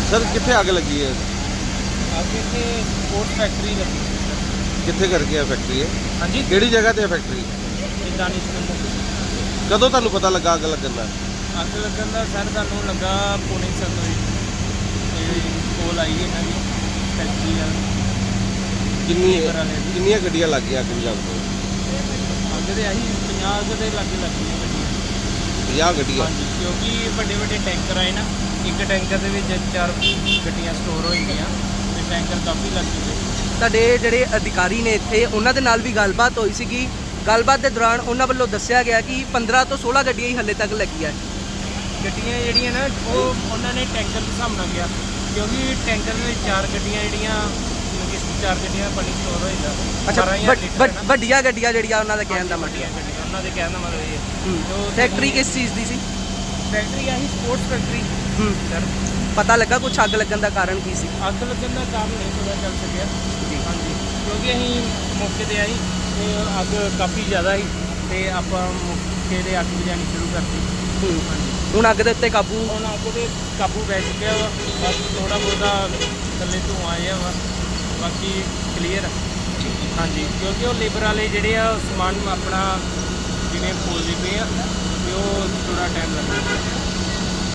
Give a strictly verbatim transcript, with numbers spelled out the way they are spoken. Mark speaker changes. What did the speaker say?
Speaker 1: Sir कितने आग लगी है?
Speaker 2: आगे से स्पोर्ट्स फैक्ट्री लगी है सर।
Speaker 1: कितने करके है फैक्ट्री है?
Speaker 2: हाँ जी,
Speaker 1: ਕਿਹੜੀ ਜਗ੍ਹਾ ਤੇ ਹੈ ਫੈਕਟਰੀ?
Speaker 2: दानिश नंबर
Speaker 1: ਕਦੋਂ ਤੁਹਾਨੂੰ ਪਤਾ ਲੱਗਾ ਅੱਗ ਲੱਗਣ ਦਾ?
Speaker 2: ਅੱਗ ਲੱਗਣ ਦਾ ਸਰ ਸਾਨੂੰ ਲੱਗਾ ਪੌਣੇ ਸੱਤ ਵਜੇ ਤੇ ਕੋਲ ਆਈ ਇਹਨਾਂ ਦੀ ਫੈਕਟਰੀ ਵਾਲੀ
Speaker 1: ਕਿੰਨੀ
Speaker 2: ਲੇਬਰ ਵਾਲੇ ਦੀ।
Speaker 1: ਕਿੰਨੀਆਂ ਗੱਡੀਆਂ ਲੱਗ ਗਈਆਂ ਅੱਗ ਬੁਝਾਉਣ ਤੋਂ?
Speaker 2: ਅੱਗ ਦੇ ਆਹੀ ਪੰਜਾਹ ਕੁ ਦੇ ਲਾਗੇ ਲੱਗੀਆਂ ਗੱਡੀਆਂ।
Speaker 1: ਪੰਜਾਹ ਗੱਡੀਆਂ?
Speaker 2: ਹਾਂਜੀ, ਕਿਉਂਕਿ ਵੱਡੇ ਵੱਡੇ ਟੈਂਕਰ ਆਏ ਨਾ, ਇੱਕ ਟੈਂਕਰ ਦੇ ਵਿੱਚ ਚਾਰ ਗੱਡੀਆਂ ਸਟੋਰ ਹੋਈਆਂ ਤੇ ਟੈਂਕਰ ਕਾਫੀ ਲੱਗ ਗਏ।
Speaker 3: ਤੁਹਾਡੇ ਜਿਹੜੇ ਅਧਿਕਾਰੀ ਨੇ ਇੱਥੇ ਉਹਨਾਂ ਦੇ ਨਾਲ ਵੀ ਗੱਲਬਾਤ ਹੋਈ ਸੀਗੀ। ਗੱਲਬਾਤ ਦੇ ਦੌਰਾਨ ਉਹਨਾਂ ਵੱਲੋਂ ਦੱਸਿਆ ਗਿਆ ਕਿ ਪੰਦਰਾਂ ਤੋਂ ਸੋਲ੍ਹਾਂ ਗੱਡੀਆਂ ਹੀ ਹੱਲੇ ਤੱਕ ਲੱਗੀਆਂ।
Speaker 2: ਗੱਡੀਆਂ ਜਿਹੜੀਆਂ ਨਾ ਉਹ ਉਹਨਾਂ ਨੇ ਟੈਂਕਰ ਦੇ ਹਿਸਾਬ ਨਾਲ ਗਿਆ, ਕਿਉਂਕਿ ਟੈਂਕਰ ਦੇ ਵਿੱਚ ਚਾਰ ਗੱਡੀਆਂ ਜਿਹੜੀਆਂ ਮਤਲਬ ਕਿ ਚਾਰ ਗੱਡੀਆਂ ਪਾਣੀ ਸਟੋਰ ਹੋ ਜਾਂਦਾ।
Speaker 3: ਅੱਛਾ,
Speaker 2: ਬਾਰਾਂ ਹਜ਼ਾਰ
Speaker 3: ਵੱਡ-
Speaker 2: ਲੀਟਰ
Speaker 3: ਵੱਡ-
Speaker 2: ਹੈ ਨਾ।
Speaker 3: ਵੱਡੀਆਂ ਗੱਡੀਆਂ ਜਿਹੜੀਆਂ ਉਹਨਾਂ ਦਾ ਕਹਿਣ ਦਾ
Speaker 2: ਵੱਡੀਆਂ
Speaker 3: ਮਤਲਬ।
Speaker 2: ਗੱਡੀਆਂ, ਉਹਨਾਂ ਦੇ ਕਹਿਣ ਦਾ ਮਤਲਬ ਇਹ ਹੈ।
Speaker 3: ਹੂੰ।
Speaker 2: ਜੋ
Speaker 3: ਫੈਕਟਰੀ ਕਿਸ ਚੀਜ਼ ਦੀ ਸੀ?
Speaker 2: ਫੈਕਟਰੀ ਆਹੀ ਸਪੋਰਟਸ ਫੈਕਟਰੀ
Speaker 3: ਹੂੰ।
Speaker 2: ਸਰ।
Speaker 3: ਪਤਾ ਲੱਗਾ ਕੁਛ ਅੱਗ ਲੱਗਣ ਦਾ ਕਾਰਨ ਕੀ ਸੀ?
Speaker 2: ਅੱਗ ਲੱਗਣ ਦਾ ਕਾਰਨ ਨਹੀਂ ਪਤਾ ਚੱਲ ਸਕਿਆ ਜੀ। ਹਾਂਜੀ, ਕਿਉਂਕਿ ਅਸੀਂ ਮੌਕੇ ਤੇ ਆਈ ਤੇ ਅੱਗ ਕਾਫੀ ਜ਼ਿਆਦਾ ਸੀ ਤੇ ਆਪਾਂ ਮੌਕੇ ਤੇ ਅੱਗ ਬੁਝਾਉਣੀ ਸ਼ੁਰੂ ਕਰਤੀ।
Speaker 3: ਹੂੰ।
Speaker 2: ਹਾਂਜੀ,
Speaker 3: ਹੁਣ ਅੱਗ ਦੇ ਉੱਤੇ ਕਾਬੂ?
Speaker 2: ਹੁਣ ਅੱਗ ਤੇ ਕਾਬੂ ਪੈ ਚੁੱਕਿਆ ਵਾ। ਬਸ ਥੋੜਾ ਬਹੁਤਾ ਥੱਲੇ ਧੂੰਆਂ ਆਇਆ ਵਾ, ਬਾਕੀ ਕਲੀਅਰ। ਹਾਂਜੀ, ਕਿਉਂਕਿ ਉਹ ਲੇਬਰ ਵਾਲੇ ਜਿਹੜੇ ਆ ਉਹ ਸਮਾਨ ਆਪਣਾ ਜਿਵੇਂ ਖੋਲਦੇ ਪਏ ਆ ਤੇ ਉਹ ਥੋੜਾ ਟਾਈਮ ਲੱਗਦਾ।